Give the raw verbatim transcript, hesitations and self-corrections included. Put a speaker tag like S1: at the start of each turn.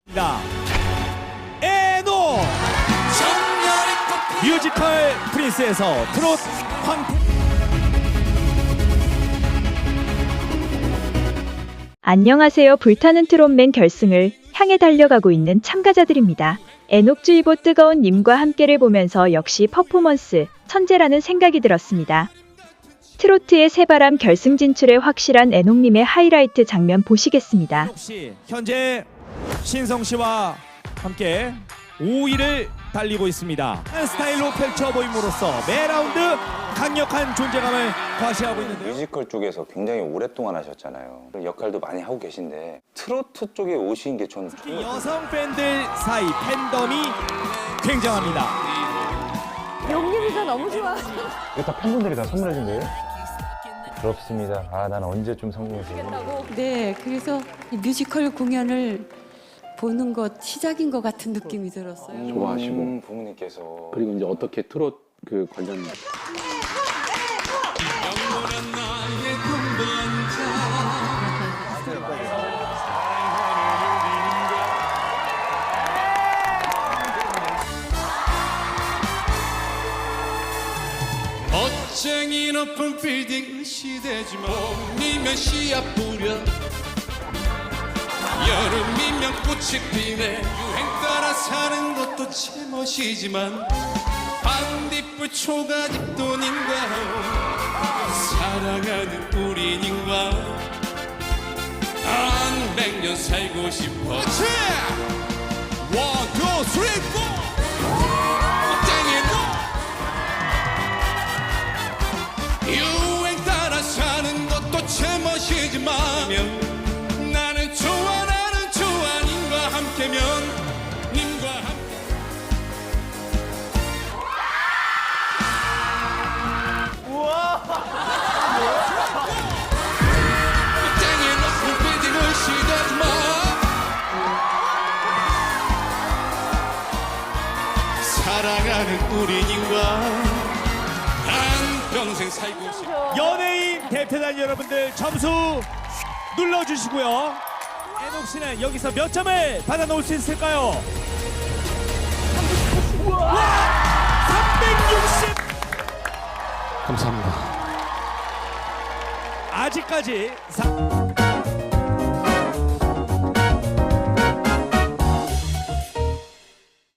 S1: 나 에노 뮤지컬 프린스에서 트롯 황태.
S2: 안녕하세요. 불타는 트롯맨 결승을 향해 달려가고 있는 참가자들입니다. 애녹주의보 뜨거운 님과 함께를 보면서 역시 퍼포먼스 천재라는 생각이 들었습니다. 트로트의 새바람 결승 진출에 확실한 애녹님의 하이라이트 장면 보시겠습니다.
S1: 혹시 현재 신성 씨와 함께 오 위를 달리고 있습니다. 스타일로 펼쳐 보임으로써 매 라운드 강력한 존재감을 과시하고 있는데요.
S3: 뮤지컬 쪽에서 굉장히 오랫동안 하셨잖아요. 역할도 많이 하고 계신데 트로트 쪽에 오신 게 전
S1: 특히 여성 팬들 사이 팬덤이 굉장합니다.
S4: 용림이가 너무 좋아.
S5: 이거 다 팬분들이 다 선물해준 거예요? 부럽습니다. 아, 난 언제쯤 성공해서.
S4: 네, 그래서 이 뮤지컬 공연을 보는 것 시작인 것 같은 느낌이 들었어요.
S6: 좋아하시고
S3: 음, 부모님께서
S6: 그리고 이제 어떻게 트롯 그 관련
S7: 멋쟁이 높은 빌딩 시대지만 봄이면 씨앗 뿌려 여름이면 꽃이 피네 유행 따라 사는 것도 제멋이지만 반딧불 초가집도 님과 사랑하는 우리 님과 한 백년 살고 싶어 원, 투, 쓰리, 포 유행 따라 사는 것도 제멋이지만 나는 좋아 나는 좋아 님과 함께면 님과 함께 땅에 높은 빌딩을 시대지만 사랑하는 우리 님과 평생 살고 싶어.
S1: 연예인 대표단 여러분들 점수 눌러주시고요. 애녹 씨는 여기서 몇 점을 받아놓을 수 있을까요? 삼백육십.
S7: 감사합니다.
S1: 아직까지 사...